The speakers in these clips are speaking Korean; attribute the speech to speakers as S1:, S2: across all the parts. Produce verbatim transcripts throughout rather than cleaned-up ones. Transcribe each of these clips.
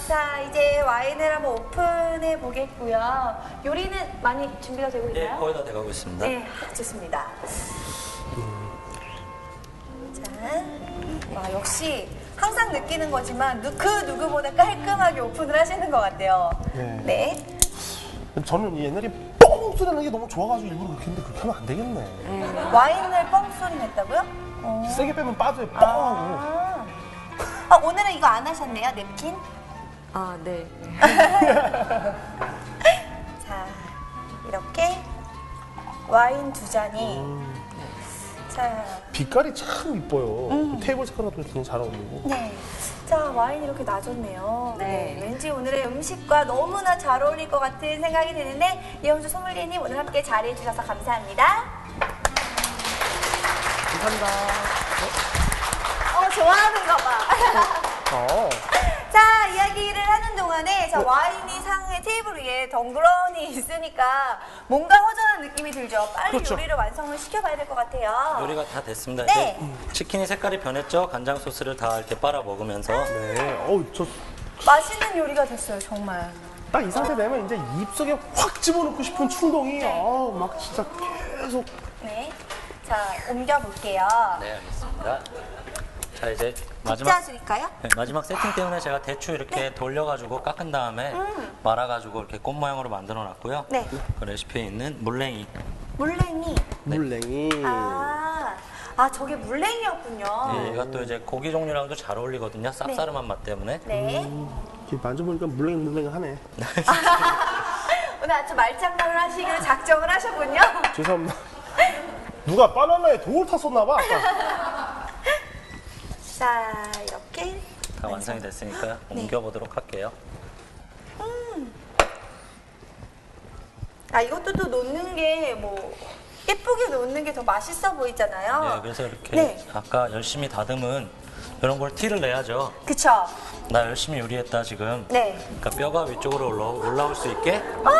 S1: 자, 이제 와인을 한번 오픈해 보겠고요. 요리는 많이 준비가 되고 있나요?
S2: 예, 거의 다 돼가고 있습니다.
S1: 네, 좋습니다. 자, 와, 역시 항상 느끼는 거지만 누, 그 누구보다 깔끔하게 오픈을 하시는 것 같아요.
S3: 네.
S1: 네.
S3: 저는 옛날에 뻥 소리 나는 게 너무 좋아가지고 일부러 그렇게 했는데 그렇게 하면 안 되겠네.
S1: 음, 와인을 뻥 소리 냈다고요? 어.
S3: 세게 빼면 빠져요. 뻥 하고.
S1: 아. 아, 오늘은 이거 안 하셨네요, 냅킨?
S4: 아, 네.
S1: 자, 이렇게 와인 두 잔이.
S3: 음.
S1: 자,
S3: 빛깔이 참 이뻐요.
S1: 음.
S3: 테이블 색깔도 굉장히 잘 어울리고.
S1: 네. 자, 와인 이렇게 놔줬네요.
S4: 네.
S1: 왠지 오늘의 음식과 너무나 잘 어울릴 것 같은 생각이 드는데, 이영주 소믈리에님 오늘 함께 자리해 주셔서 감사합니다.
S3: 감사합니다.
S1: 어, 좋아하는가 봐.
S3: 어.
S1: 자, 이야기를 하는 동안에 자, 와인이 상의 테이블 위에 덩그러니 있으니까 뭔가 허전한 느낌이 들죠. 빨리
S3: 그렇죠.
S1: 요리를 완성을 시켜봐야 될 것 같아요.
S2: 요리가 다 됐습니다.
S1: 네.
S2: 이제 치킨이 색깔이 변했죠? 간장 소스를 다 이렇게 빨아 먹으면서.
S3: 네. 어우, 저.
S1: 맛있는 요리가 됐어요, 정말.
S3: 딱 이 상태 되면 이제 입속에 확 집어넣고 싶은 충동이
S1: 네.
S3: 아우 막 진짜 계속.
S1: 네. 자, 옮겨볼게요.
S2: 네, 알겠습니다. 자, 이제 마지막,
S1: 빗자줄일까요?
S2: 네, 마지막 세팅 때문에 제가 대추 이렇게
S1: 네.
S2: 돌려가지고 깎은 다음에
S1: 음.
S2: 말아가지고 이렇게 꽃 모양으로 만들어 놨고요.
S1: 네.
S2: 그 레시피에 있는 물냉이.
S1: 물냉이.
S3: 물냉이.
S1: 아, 아 저게 물냉이였군요.
S2: 예, 얘가 또 이제 고기 종류랑도 잘 어울리거든요. 쌉싸름한 맛 때문에.
S1: 네.
S3: 이렇게 만져보니까 물냉 물냉하네.
S1: 오늘 아주 말장난을 하시기로 작정을 하셨군요.
S3: 죄송합니다. 누가 바나나에 돌 탔었나 봐. 아까.
S1: 자, 이렇게.
S2: 다 완성이 됐으니까 옮겨보도록 할게요.
S1: 아, 이것도 또 놓는 게 뭐 예쁘게 놓는 게 더 맛있어 보이잖아요.
S2: 네, 그래서 이렇게
S1: 네.
S2: 아까 열심히 다듬은 이런 걸 티를 내야죠.
S1: 그쵸?
S2: 나 열심히 요리했다 지금.
S1: 네.
S2: 그러니까 뼈가 위쪽으로 올라, 올라올 수 있게.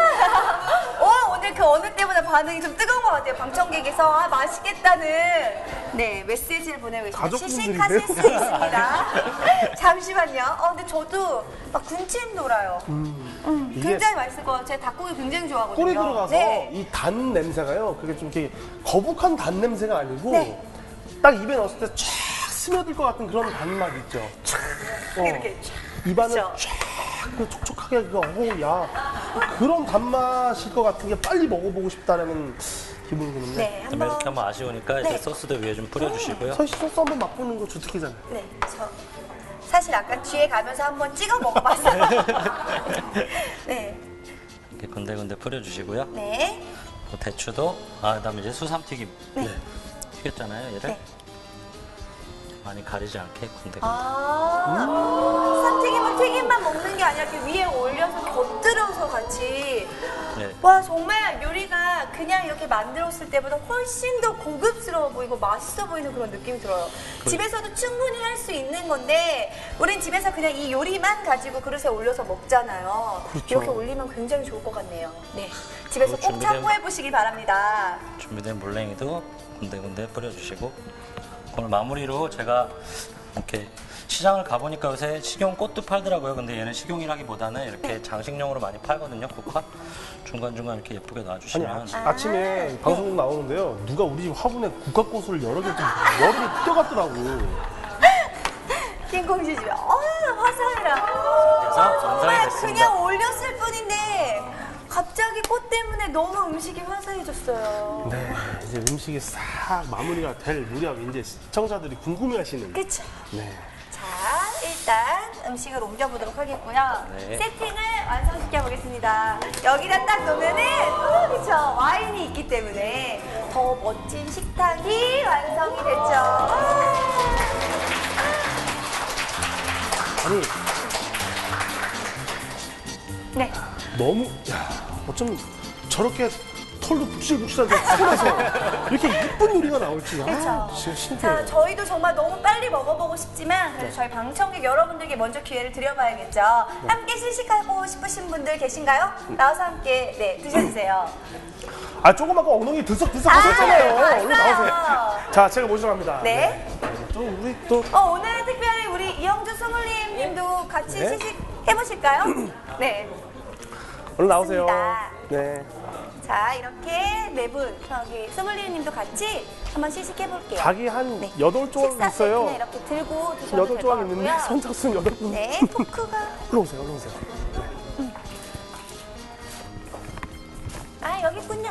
S1: 어, 오늘 그 어느 때보다 반응이 좀 뜨거운 것 같아요. 방청객에서 아, 맛있겠다는 네 메시지를 보내고 있습니다.
S3: 가족분들인데요?
S1: 시식하실 수 있습니다. 잠시만요. 어, 근데 저도 막 군침 돌아요. 음,
S3: 이게
S1: 굉장히 맛있을 것 같아요. 제가 닭고기 굉장히 좋아하거든요.
S3: 꿀이 들어가서
S1: 네.
S3: 이 단 냄새가요. 그게 좀 이렇게 거북한 단 냄새가 아니고
S1: 네.
S3: 딱 입에 넣었을 때 쫙 스며들 것 같은 그런 단맛 있죠. 어,
S1: 이렇게
S3: 입안을
S1: 그쵸.
S3: 쫙 그 촉촉하게 그거 어우 야 그런 단맛일 것 같은 게 빨리 먹어보고 싶다라는 기분이 드는데.
S1: 네,
S2: 그럼
S1: 한번.
S2: 이렇게 하면 아쉬우니까 이제
S1: 네.
S2: 소스도 위에 좀 뿌려주시고요.
S3: 서시 소스 한번 맛보는 거 주특기잖아요.
S1: 네, 저 사실 아까 뒤에 가면서 한번 찍어 먹어봤어요. 네,
S2: 이렇게 군데군데 뿌려주시고요.
S1: 네,
S2: 또 대추도, 아, 그다음에 이제 수삼튀김.
S1: 네.
S2: 튀겼잖아요, 얘를.
S1: 네.
S2: 많이 가리지 않게 군데군데.
S1: 아, 쌈튀김은 튀김만 먹는 게 아니라 이렇게 위에 올려서 곁들여서 같이.
S2: 네.
S1: 와, 정말 요리가 그냥 이렇게 만들었을 때보다 훨씬 더 고급스러워 보이고 맛있어 보이는 그런 느낌이 들어요.
S2: 그-
S1: 집에서도 충분히 할 수 있는 건데 우린 집에서 그냥 이 요리만 가지고 그릇에 올려서 먹잖아요.
S3: 그렇죠.
S1: 이렇게 올리면 굉장히 좋을 것 같네요. 네, 집에서
S2: 그리고
S1: 꼭
S2: 준비된-
S1: 참고해 보시기 바랍니다.
S2: 준비된 물냉이도 군데군데 뿌려주시고, 오늘 마무리로 제가 이렇게 시장을 가보니까 요새 식용 꽃도 팔더라고요. 근데 얘는 식용이라기보다는 이렇게 장식용으로 많이 팔거든요, 국화. 중간중간 이렇게 예쁘게
S3: 아니
S2: 놔주시면.
S3: 아침, 아침에 방송국 나오는데요. 누가 우리 집 화분에 국화꽃을 여러 개 좀 머리를 뛰어갔더라고.
S1: 킹콩씨 집에 어, 화사해라.
S2: 그래서 완성이
S1: 정말
S2: 됐습니다.
S1: 그냥 올렸을 뿐인데 갑자기 꽃 때문에 너무 음식이 화사해졌어요.
S3: 네, 이제 음식이 싹 마무리가 될 무렵 이제 시청자들이 궁금해하시는.
S1: 그쵸?
S3: 네.
S1: 자, 일단 음식을 옮겨보도록 하겠고요.
S2: 네.
S1: 세팅을 완성시켜 보겠습니다. 여기다 딱 놓으면은, 어, 그쵸. 와인이 있기 때문에 더 멋진 식탁이 완성이 됐죠.
S3: 아니
S1: 네.
S3: 너무 야 어쩜 저렇게 털도 북실북실한데 털에서 이렇게 예쁜 요리가 나올지 아
S1: 그렇죠.
S3: 진짜 신기해요.
S1: 자, 저희도 정말 너무 빨리 먹어보고 싶지만 그래도 저희 방청객 여러분들께 먼저 기회를 드려봐야겠죠. 함께 시식하고 싶으신 분들 계신가요? 나와서 함께 네 드셔주세요.
S3: 아 조금 아까 엉덩이 들썩들썩
S1: 아,
S3: 하셨잖아요.
S1: 봤어요.
S3: 얼른 나오세요. 자 제가 모시러 갑니다.
S1: 네.
S3: 또 우리 또
S1: 어, 오늘 특별히 우리 이영주 소믈리에님도 같이
S3: 네.
S1: 시식 해보실까요? 네.
S3: 얼른 나오세요.
S1: 좋습니다.
S3: 네.
S1: 자, 이렇게 네 분, 저기 소믈리에님도 같이 한번 시식해볼게요.
S3: 닭이 한
S1: 네.
S3: 여덟 조각
S1: 식사
S3: 있어요.
S1: 세트는 이렇게 들고 드셔도
S3: 여덟
S1: 될 것
S3: 조각 있는데
S1: 같고요.
S3: 선착순 여덟 분.
S1: 네, 포크가.
S3: 얼른 오세요. 얼른 오세요.
S1: 아, 여기 있군요.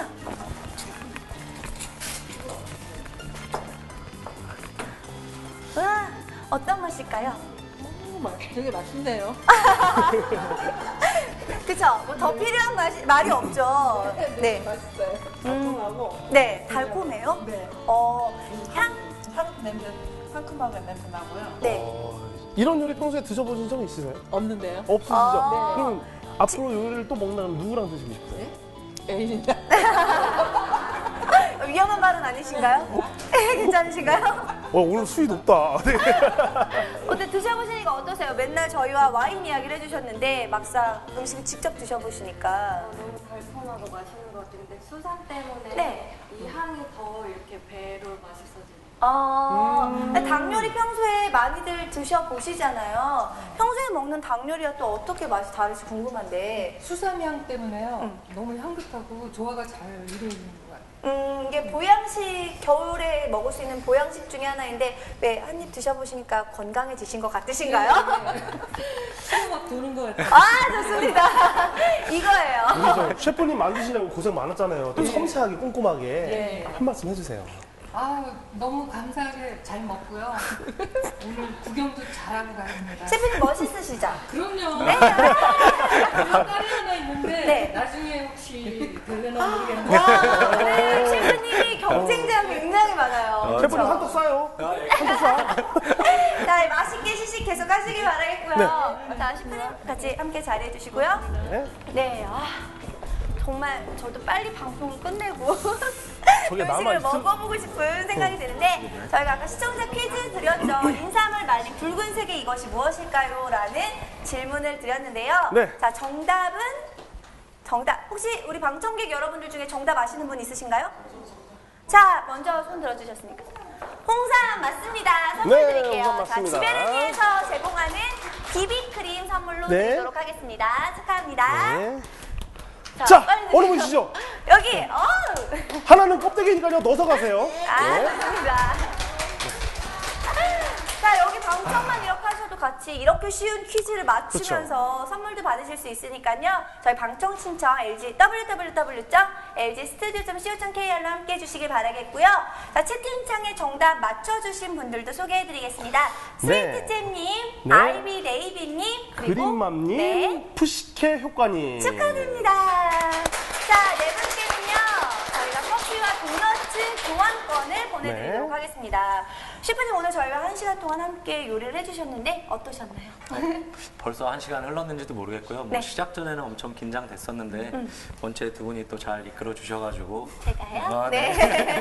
S1: 와, 어떤 맛일까요?
S4: 되게 맛있네요.
S1: 그쵸? 뭐 더 필요한 맛이, 말이 없죠. 네.
S4: 맛있어요. 달콤하고
S1: 네, 달콤해요?
S4: 네.
S1: 어, 향?
S4: 향 냄새, 상큼하게 냄새 나고요.
S1: 네.
S3: 어, 이런 요리 평소에 드셔보신 적 있으세요?
S4: 없는데요?
S3: 없으시죠?
S1: 아.
S3: 그럼 앞으로 요리를 또 먹는다면 누구랑 드시고 싶어요?
S4: 네? 애인이랑
S1: 위험한 말은 아니신가요? 괜찮으신가요?
S3: 어, 오늘 수위 높다. 네.
S1: 어때 드셔보시니까 어떠세요? 맨날 저희와 와인 이야기를 해주셨는데 막상 음식을 직접 드셔보시니까
S5: 너무 달콤하고 맛있는 것 같아요. 근데 수산 때문에
S1: 네.
S5: 이 향이 더 이렇게 배로 맛있어지네요.
S1: 아, 닭 요리 평소에 많이들 드셔보시잖아요. 평소에 먹는 닭 요리와 또 어떻게 맛이 다를지 궁금한데
S4: 수삼향 때문에요. 너무 향긋하고 조화가 잘 이루어지는 것 같아요.
S1: 음, 이게 보양식, 겨울에 먹을 수 있는 보양식 중에 하나인데 왜 한 입 드셔보시니까 건강해지신 것 같으신가요?
S4: 피가 막 도는 것 같아요.
S1: 아, 좋습니다. 이거예요.
S3: 우리 저 셰프님 만드시려고 고생 많았잖아요. 또 섬세하게 꼼꼼하게
S4: 네.
S3: 한 말씀 해주세요.
S4: 아 너무 감사하게 잘 먹고요. 오늘 구경도 잘하고 가십니다.
S1: 셰프님 멋있으시죠?
S4: 그럼요.
S1: 네.
S4: 그런 딸이 하나 있는데
S1: 네.
S4: 나중에 혹시 되려나 모르겠는데
S1: 와, 네, 셰프님이 경쟁자가 굉장히 많아요.
S3: 셰프님
S1: 그렇죠?
S3: 한턱 쏴요. 한턱 쏴.
S1: 자, 맛있게 시식 계속 하시길 바라겠고요. 자, 셰프님 같이 함께 자리해 주시고요.
S3: 네.
S1: 네, 아, 정말 저도 빨리 방송을 끝내고
S3: 저게
S1: 음식을
S3: 남아있을-
S1: 먹어보고 싶은 생각이 드는데 저희가 아까 시청자 퀴즈 드렸죠. 인삼을 말린 붉은색의 이것이 무엇일까요? 라는 질문을 드렸는데요.
S3: 네.
S1: 자, 정답은 정답. 혹시 우리 방청객 여러분들 중에 정답 아시는 분 있으신가요? 자, 먼저 손 들어주셨으니까. 홍삼 맞습니다. 선물
S3: 네,
S1: 드릴게요.
S3: 홍삼
S1: 자,
S3: 맞습니다.
S1: 지베르니에서 제공하는 비비크림 선물로
S3: 네.
S1: 드리도록 하겠습니다. 축하합니다.
S3: 네.
S1: 자,
S3: 자,
S1: 빨리
S3: 어느
S1: 드세요.
S3: 분이시죠?
S1: 여기, 어우.
S3: 하나는 껍데기니까요. 넣어서 가세요.
S1: 아,
S3: 네.
S1: 좋습니다. 자, 여기 방청만 이렇게 하셔도 같이 이렇게 쉬운 퀴즈를 맞추면서 선물도 받으실 수 있으니까요. 저희 방청 신청 엘지 더블유 더블유 더블유 점 엘지 스튜디오 점 씨오 점 케이알로 함께 해주시길 바라겠고요. 자, 채팅창에 정답 맞춰주신 분들도 소개해드리겠습니다.
S3: 네.
S1: 스위트잼님,
S3: 네.
S1: 아이비 네이비님, 그리고
S3: 그린맘님,
S1: 네,
S3: 푸시케 효과님.
S1: 축하드립니다. 자, 네 분께는요, 저희가 커피와 도넛 교환권을 보내드리도록
S3: 네.
S1: 하겠습니다. 셰프님 오늘 저희와 한 시간 동안 함께 요리를 해주셨는데 어떠셨나요?
S2: 벌써 한 시간 흘렀는지도 모르겠고요. 뭐
S1: 네.
S2: 시작 전에는 엄청 긴장됐었는데 본체 두 분이 또 잘 이끌어 주셔가지고
S1: 제가요?
S2: 아,
S1: 네.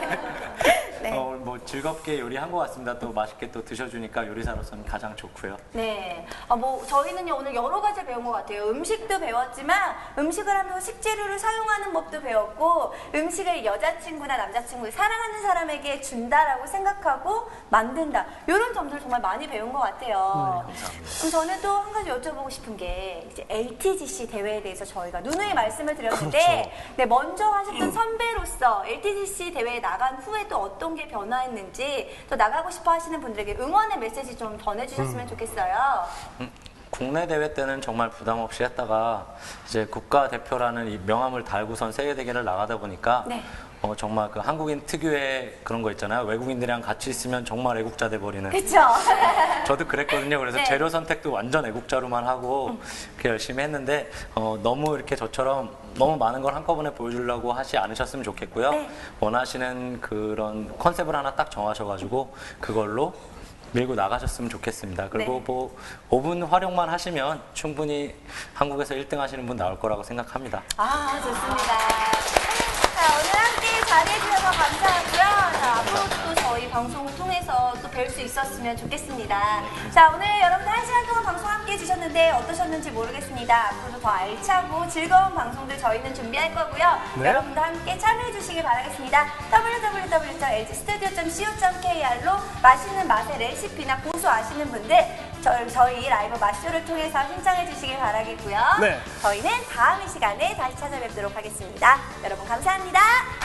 S1: 네.
S2: 어, 뭐 즐겁게 요리한 것 같습니다. 또 맛있게 또 드셔주니까 요리사로서는 가장 좋고요.
S1: 네. 아, 뭐, 저희는요, 오늘 여러 가지 배운 것 같아요. 음식도 배웠지만, 음식을 하면서 식재료를 사용하는 법도 배웠고, 음식을 여자친구나 남자친구, 사랑하는 사람에게 준다라고 생각하고 만든다. 이런 점들 정말 많이 배운 것 같아요.
S2: 네, 감사합니다.
S1: 그럼 저는 또 한 가지 여쭤보고 싶은 게, 이제 엘티지씨 대회에 대해서 저희가 누누이 말씀을 드렸는데,
S3: 그렇죠.
S1: 네, 먼저 하셨던 선배로서 엘티지씨 대회에 나간 후에 또 어떤 게 변화했는지, 또 나가고 싶어 하시는 분들에게 응원의 메시지 좀 전해주셨으면 좋겠어요.
S2: 국내 대회 때는 정말 부담 없이 했다가 이제 국가대표라는 이 명함을 달고선 세계 대회를 나가다 보니까
S1: 네.
S2: 어, 정말 그 한국인 특유의 그런 거 있잖아요. 외국인들이랑 같이 있으면 정말 애국자 돼 버리는.
S1: 그쵸?
S2: 저도 그랬거든요. 그래서
S1: 네.
S2: 재료 선택도 완전 애국자로만 하고 그렇게 열심히 했는데 어, 너무 이렇게 저처럼 너무 많은 걸 한꺼번에 보여주려고 하지 않으셨으면 좋겠고요.
S1: 네.
S2: 원하시는 그런 컨셉을 하나 딱 정하셔가지고 그걸로 밀고 나가셨으면 좋겠습니다. 그리고
S1: 네.
S2: 뭐 오 분 활용만 하시면 충분히 한국에서 일 등 하시는 분 나올 거라고 생각합니다.
S1: 아, 좋습니다. 자, 오늘 함께 잘해주셔서 감사하고요. 자, 앞으로도 또 저희 방송을 통해서 또 뵐 수 있었으면 좋겠습니다. 자, 오늘 여러분들 한 시간 동안 방송 함께 해주셨는데 어떠셨는지 모르겠습니다. 앞으로도 더 알차고 즐거운 방송들 저희는 준비할 거고요.
S3: 네.
S1: 여러분도 함께 참여해주시길 바라겠습니다. 더블유 더블유 더블유 점 엘지 스튜디오 점 씨오 점 케이알로 맛있는 맛의 레시피나 고수 아시는 분들 저, 저희 라이브 마쇼를 통해서 신청해 주시길 바라겠고요.
S3: 네.
S1: 저희는 다음 이 시간에 다시 찾아뵙도록 하겠습니다. 여러분 감사합니다.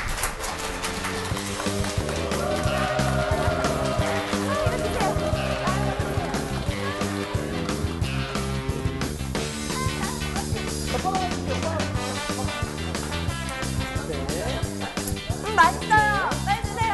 S1: 음, 맛있어요. 빨리 주세요.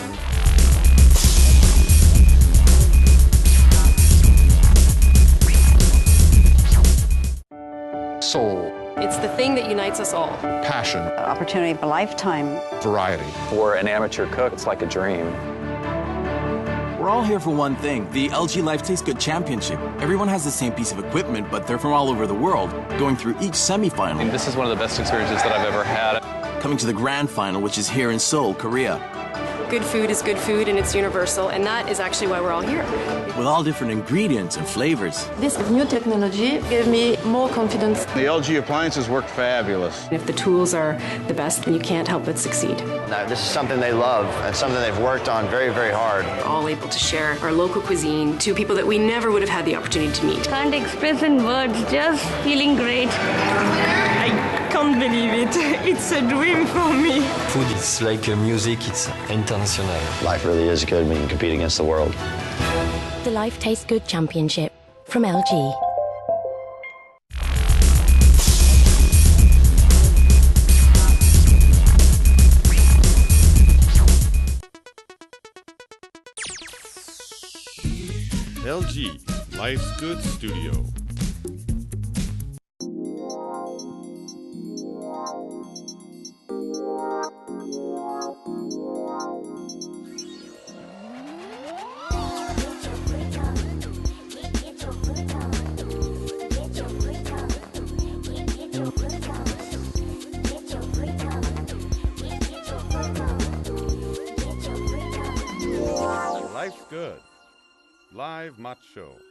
S6: Soul,
S7: It's the thing that unites us all.
S6: passion,
S8: Opportunity of a lifetime.
S6: variety.
S9: For an amateur cook, it's like a dream.
S10: We're all here for one thing, the L G Life Tastes Good Championship. Everyone has the same piece of equipment, but they're from all over the world, going through each semifinal,
S9: This is one of the best experiences that I've ever had.
S10: coming to the grand final, which is here in Seoul, Korea.
S7: Good food is good food and it's universal, and that is actually why we're all here.
S10: With all different ingredients and flavors.
S7: This new technology gives me more confidence.
S11: The L G appliances work fabulous.
S7: If the tools are the best, then you can't help but succeed.
S12: Now, this is something they love and something they've worked on very, very hard.
S7: We're all able to share our local cuisine to people that we never would have had the opportunity to meet.
S13: Can't express in words, just feeling great.
S14: I can't believe it. It's a dream for me.
S15: Food is like music, it's international.
S12: Life really is good when you compete against the world.
S13: The Life Tastes Good Championship from L G.
S16: L G Life's Good Studio. Life's Good. Live Macho.